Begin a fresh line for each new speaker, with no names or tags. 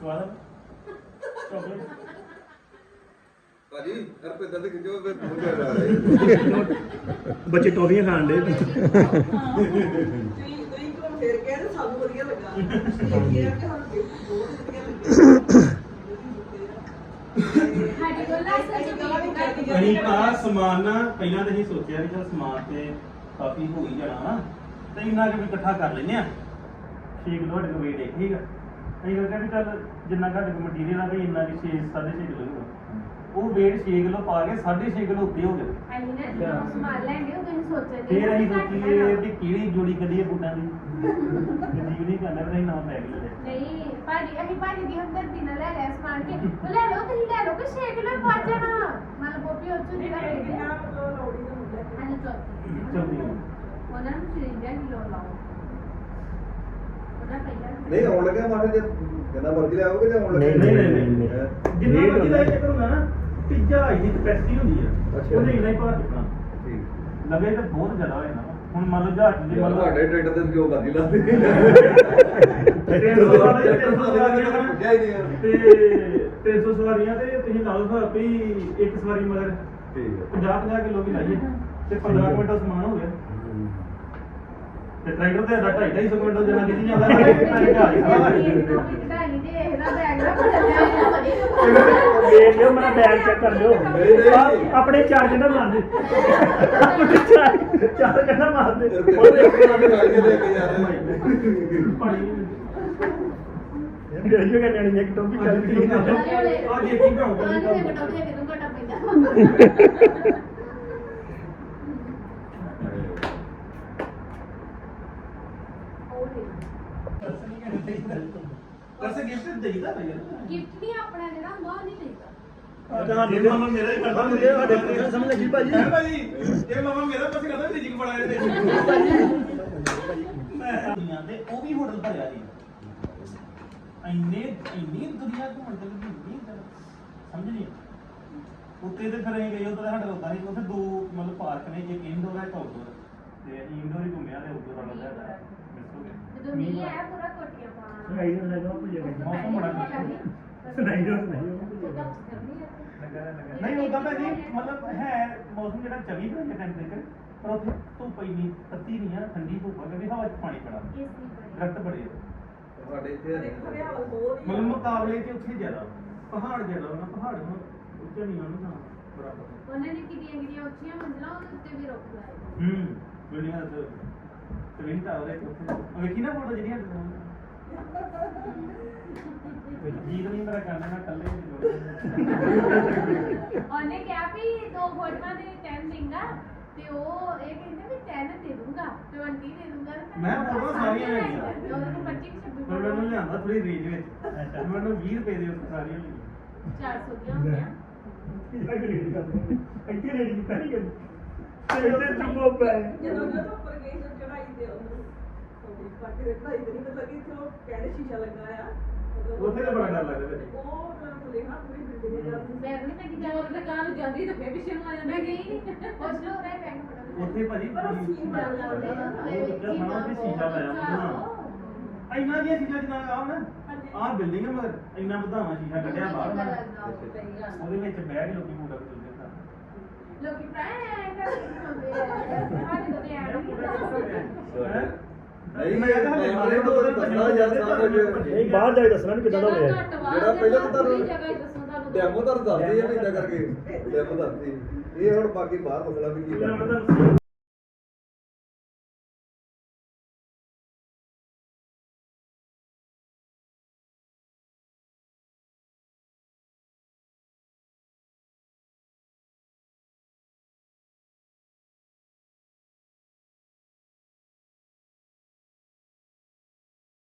ਸਵਾਦ ਚਾਕਲੇਟ
ਭਾਜੀ ਹਰਪਿੰਦਰ ਦੇ ਖਿੱਚੋ ਫਿਰ ਬਹੁਤ ਜ਼ਿਆਦਾ ਆ ਰਿਹਾ
ਬੱਚੇ ਟੋਫੀਆਂ ਖਾਣ ਦੇ
ਤੁਸੀਂ ਕੋਲ ਫੇਰ ਕਹਿ ਰਹੇ ਸਾਨੂੰ ਵਧੀਆ ਲੱਗਾ ਇਹ ਕਿਹਾ ਕਿ ਸਾਨੂੰ ਬਹੁਤ ਵਧੀਆ ਲੱਗਾ
ਸਾਡੇ ਕੋਲ ਨਾ
ਅਸੀਂ ਤਾਂ ਸਮਾਨ ਨਾ ਪਹਿਲਾਂ ਤਾਂ ਅਸੀਂ ਸੋਚਿਆ ਵੀ ਚਲ ਸਮਾਨ ਤੇ ਕਾਫੀ ਹੋ ਹੀ ਜਾਣਾ ਵਾ ਤੇ ਇੰਨਾ ਕਿ ਵੀ ਇਕੱਠਾ ਕਰ ਲੈਨੇ ਆ 6 ਕਿਲੋ ਸਾਡੇ ਕੋਲ ਵੇਟ ਹੈ ਠੀਕ ਆ ਅਸੀਂ ਕਹਿੰਦੇ ਵੀ ਚੱਲ ਜਿੰਨਾ ਸਾਡੇ ਕੋਲ ਮਟੀਰੀਅਲ ਆ ਵੀ ਇੰਨਾ ਕਿ 6.5 ਕਿਲੋ ਹੋਊਗਾ ਉਹ ਵੇਟ 6 ਕਿਲੋ ਪਾ ਕੇ 6.5 ਕਿਲੋ ਉੱਤੇ ਹੋ ਗਏ
ਅਸੀਂ ਨਾ ਸਮਾਨ ਲੈਂਦੇ ਉਹ ਤੁਸੀਂ ਸੋਚਦੇ
ਫਿਰ ਅਸੀਂ ਸੋਚੀਏ ਵੀ ਕਿਹੜੀ ਜੋੜੀ ਕੱਢੀਏ ਬੂਟਾਂ ਦੀ ਜੀ ਨਹੀਂ ਕਹਿੰਦਾ ਵੀ ਅਸੀਂ ਨਵਾਂ ਪੈਕ ਲੈ ਲਿਆ
ਨਹੀਂ ਭਾਜੀ ਅਸੀਂ ਭਾਜੀ ਦੀ ਹਮਦਰਦੀ ਨਾਲ ਲੈ ਲਿਆ ਸਮਾਨ ਕੇ ਉਹ ਲੈ ਲਓ ਤੁਸੀਂ ਲੈ ਲਓ ਕਿ 6 ਕਿਲੋ ਪਾ ਜਾਣਾ ਮਨ ਗੋਪੀ ਉੱਚੂ ਦੀ ਲੈ
ਇਹ
ਕੇ
ਕਿਹਾ ਮਤਲਬ ਲੋੜੀ ਦਾ ਮੁੱਦਾ
ਹਾਂਜੀ
ਚਲਦੀ
ਉਹਨਾਂ ਨੂੰ 53 ਕਿਲੋ ਲਾਓ ਉਹਨਾਂ ਪਹਿਲਾਂ
ਨਹੀਂ ਆਉਣ ਲੱਗਿਆ ਮਾਟੇ ਜੇ ਜਿੰਨਾ ਮਰਜ਼ੀ ਲੈ ਆਓਗੇ ਜਾਂ ਆਉਣ ਲੱਗਿਆ
ਨਹੀਂ ਜਿੰਨਾ ਮਰਜ਼ੀ ਲੈ ਕੇ ਕਰੂੰਗਾ ਨਾ ਤੀਜਾ ਇਹਦੀ ਕਪੈਸਿਟੀ ਹੁੰਦੀ ਆ
ਅੱਛਾ।
ਉਹਨੇ ਇੰਨਾ ਹੀ ਭਾਰ ਚੁੱਕਣਾ
ਠੀਕ
ਲਵੇ ਤਾਂ ਬਹੁਤ ਜ਼ਿਆਦਾ ਹੋ ਜਾਣਾ ਹੁਣ ਮੰਨ ਲਓ ਜਹਾਜ਼ ਦੇ ਮੰਨ ਲਓ
ਤੁਹਾਡੇ ਟਰੈਕਟਰ ਤੇ ਜੋ ਮਰਜ਼ੀ ਲਾ ਦੇ
300 ਸਵਾਰੀਆਂ
ਪੁੱਛਿਆ ਹੀ ਨਹੀਂ ਯਾਰ।
ਤੇ 300 ਸਵਾਰੀਆਂ ਤੇ ਤੁਸੀਂ ਲਾ ਲਓ ਵੀ ਇੱਕ ਸਵਾਰੀ ਮਗਰ
ਠੀਕ ਹੈ
50 ਕਿਲੋ ਵੀ ਲਾਈਏ ਤੇ 15 ਕੁਇੰਟਲ ਸਮਾਨ ਹੋ ਗਿਆ ਤੇ ਟਰੈਕਟਰ ਤੇ 250 ਕੁਇੰਟਲ ਜਣਾ ਕਿੱਥੇ ਜਾਂਦਾ ਹੈ ਵੇਖ ਲਿਓ ਮੇਰਾ ਬੈਗ ਚੈੱਕ ਕਰ ਲਿਓ ਆਪਣੇ ਚਾਰ ਜਣਾ ਮਾਰ ਦੇ ਆਪਣੇ ਚਾਰ ਜਣਾ ਮਾਰ ਦੇ
ਉਹਦੇ ਆਪਣਾ ਵੀ ਲਾ ਕੇ ਲੈ ਕੇ ਜਾ ਰਹੇ
ਵੀਡੀਓ ਕਰਨੀ ਨਹੀਂ ਇੱਕ ਟੋਪੀ ਚੱਲਦੀ ਆ ਦੇਖੀ ਭਰਾਉਂਦਾ ਵੈਸੇ ਗਿਫਟ ਦੇਈਦਾ ਭਈਆ
ਗਿਫਟ ਨਹੀਂ ਆਪਣਾ ਜਿਹੜਾ ਹੁੰਦਾ ਉਹ ਨਹੀਂ ਦੇਈਦਾ
ਤੁਹਾਡੇ ਮਾਮਾ ਮੇਰਾ ਹੀ ਕਰਦਾ ਮੁੰਡੇ ਸਾਡੇ ਸਮਝ ਲੱਗੀ ਭਾਜੀ ਭਾਜੀ ਇਹ ਮਾਮਾ ਮੇਰਾ ਪਾਸੇ ਕਰਦਾ ਤੇ ਜਿਗ ਬੜਾ ਇਹਦੇ ਦੁਨੀਆ ਦੇ ਉਹ ਵੀ ਹੋਟਲ ਭਰਿਆ ਜੀ ਇੰਨੀ ਦੁਨੀਆ ਘੁੰਮਣ ਤੇ ਲੱਗੀ ਸਮਝ ਨਹੀਂ ਉੱਤੇ ਤੇ ਫਿਰ ਗਏ ਉਹ ਤਾਂ ਸਾਡਾ ਹੁੰਦਾ ਨਹੀਂ ਉੱਥੇ ਦੋ ਮਤਲਬ ਪਾਰਕ ਨੇ ਇੱਕ ਇਨਡੋਰ ਹੈ ਇੱਕ ਆਊਟਡੋਰ ਤੇ ਇਨਡੋਰ ਹੀ ਘੁੰਮਿਆ ਤੇ ਆਊਟਡੋਰ ਵਾਲਾ ਜ਼ਿਆਦਾ ਮਿਸ ਹੋ ਗਿਆ
ਜਦੋਂ ਮੀਂਹ ਆਇਆ ਪੂਰਾ ਕੋਟੀਆਂ ਪਾਉਣਾ
ਸੁਣਾਈ ਦੋ ਮੌਸਮ ਬੜਾ ਸੁਣਾਈ ਦੋ ਨਹੀਂ ਉਹਦਾ ਤਾਂ ਜੀ ਮਤਲਬ ਹੈ ਮੌਸਮ ਜਿਹੜਾ 24 ਘੰਟੇ ਟੈਂਪਰੇਚਰ ਪਰ ਉੱਥੇ ਧੁੱਪ ਇੰਨੀ ਤੱਤੀ ਨਹੀਂ ਆ ਠੰਡੀ ਧੁੱਪ ਆ ਕਿਉਂਕਿ ਹਵਾ 'ਚ ਪਾਣੀ ਬੜਾ ਦਰਖਤ ਬੜੇ ਆ
ਤੁਹਾਡੇ ਇੱਥੇ
ਹਰਿਆਵਲ ਬਹੁਤ ਹੀ
ਮਤਲਬ ਮੁਕਾਬਲੇ 'ਚ ਉੱਥੇ ਜ਼ਿਆਦਾ ਪਹਾੜ ਜ਼ਿਆਦਾ ਨਾ ਪਹਾੜ ਨੂੰ ਉੱਚਾ ਨਹੀਂ ਆਉਣਾ ਨਾ ਬਰਾਬਰ
ਉਹਨਾਂ ਨੇ ਕਿੰਨੀਆਂ ਉੱਚੀਆਂ ਮੰਜ਼ਲਾਂ ਉਹਦੇ ਉੱਤੇ ਵੀ ਰੁੱਖ ਲਾਏ
ਬਿਲਡਿੰਗਾਂ ਤੇ ਟਵਿਨ ਟਾਵਰ ਹੈ ਉੱਥੇ ਵੇਖੀ ਨਾ ਫੋਟੋ ਜਿਹੜੀਆਂ ਜੀਤ ਨਹੀਂ ਮੇਰਾ ਕਰਨਾ ਮੈਂ ਕੱਲੇ
ਉਹਨੇ ਕਿਹਾ ਵੀ 2 ਫੋਟੋਆਂ ਦੇ 10 ਦੇਂਗਾ ਤੇ ਉਹ ਇਹ ਕਹਿੰਦੇ ਵੀ 10 ਦੇ ਦੂੰਗਾ 20 ਦੇ ਦੂੰਗਾ
ਮੈਂ ਫੋਟੋਆਂ ਸਾਰੀਆਂ ਲੈ ਗਿਆ
ਉਹਦੇ ਕੋਲ 25 26
ਪਰ ਮੈਨੂੰ ਲਿਆਂਦਾ ਥੋੜੀ ਰੇਂਜ ਵਿੱਚ ਮੈਨੂੰ 20 ਰੁਪਏ ਦੇ ਉੱਤੇ ਸਾਰੀਆਂ ਲਈਆਂ
400 ਦੀਆਂ ਹੁੰਦੀਆਂ
ਇੱਥੇ ਰੇਡੀ ਕੀਤਾ ਨਹੀਂ ਕਦੇ ਤੇ ਚੁੱਪੋ ਪੈ
ਜਦੋਂ ਜਦੋਂ ਉੱਪਰ ਗਏ ਤਾਂ ਚੜਾਈ ਤੇ ਉਹਨੂੰ ਬਾਕੀ ਦੇ ਚੜਾਈ ਤੇ ਨਹੀਂ ਪਤਾ ਕਿ ਇੱਥੇ ਉਹ ਕਹਿੰਦੇ ਸ਼ੀਸ਼ਾ ਲੱਗਾ ਆ
ਉੱਥੇ ਤਾਂ ਬੜਾ ਡਰ ਲੱਗਦਾ ਫਿਰ
ਉਹ ਤਾਂ ਖੁੱਲੇ ਹਾਂ ਪੂਰੀ ਬਿਲਡਿੰਗ ਦੇ ਜਾਂਦੀ
ਮੈਂ ਨਹੀਂ ਕਿ ਜਦੋਂ ਦੁਕਾਨ ਜਾਂਦੀ ਤਾਂ ਫੇਰ ਪਿੱਛੇ ਨੂੰ ਆ ਜਾਂਦਾ ਮੈਂ ਗਈ ਨਹੀਂ ਉਸ ਨੂੰ ਰਹਿ ਪੈਂਗ ਫੜਾ
ਉੱਥੇ ਭਾਜੀ
ਪਰ ਉਹ ਸੀਨ
ਚੱਲ
ਚੱਲ
ਲਾਉਂਦੇ
ਲਾਉਂਦੇ
ਆ
ਆ
ਉਹ ਕਿੱਥੇ ਸਾਰਾ ਤੇ ਸ਼ੀਸ਼ਾ ਲਾਇਆ ਹੋਣਾ ਇੰਨਾ ਦੀਆਂ ਚੀਜ਼ਾਂ ਜਿੱਦਾਂ ਆਹ ਨਾ ਆਹ ਬਿਲਡਿੰਗ ਹੈ ਮਗਰ ਇੰਨਾ ਵਧਾਵਾ ਸ਼ੀਸ਼ਾ ਕੱਢਿਆ ਬਾਹਰ ਉਹਦੇ ਵਿੱਚ ਬਹਿ ਕੇ ਲੋਕੀ ਪੂਰਾ ਕਰਦੇ ਸਨ
ਲੋਕੀ ਪ੍ਰਾਇ ਕਰਦੇ ਆ ਸਾਡੇ ਤੋਂ ਤੇ ਆਣ
ਨਹੀਂ ਮੈਂ ਤਾਂ ਹਲੇ ਤੋਂ ਦੱਸਣਾ ਯਾਰ ਸਾਰਾ ਕੁਝ
ਨਹੀਂ ਬਾਹਰ ਜਾ ਕੇ ਦੱਸਣਾ ਵੀ ਕਿੱਦਾਂ ਦਾ ਹੋਇਆ
ਜਿਹੜਾ ਪਹਿਲਾਂ ਤਾਂ ਤੁਹਾਨੂੰ ਡੈਮੋ ਤਾਂ ਦੱਸਦੀ ਹੈ ਵੀ ਇਦਾਂ ਕਰਕੇ ਡੈਮੋ ਦੱਸਦੀ ਇਹ ਹੁਣ ਬਾਕੀ ਬਾਹਰ ਮਸਲਾ ਵੀ ਕੀ ਕਰਨਾ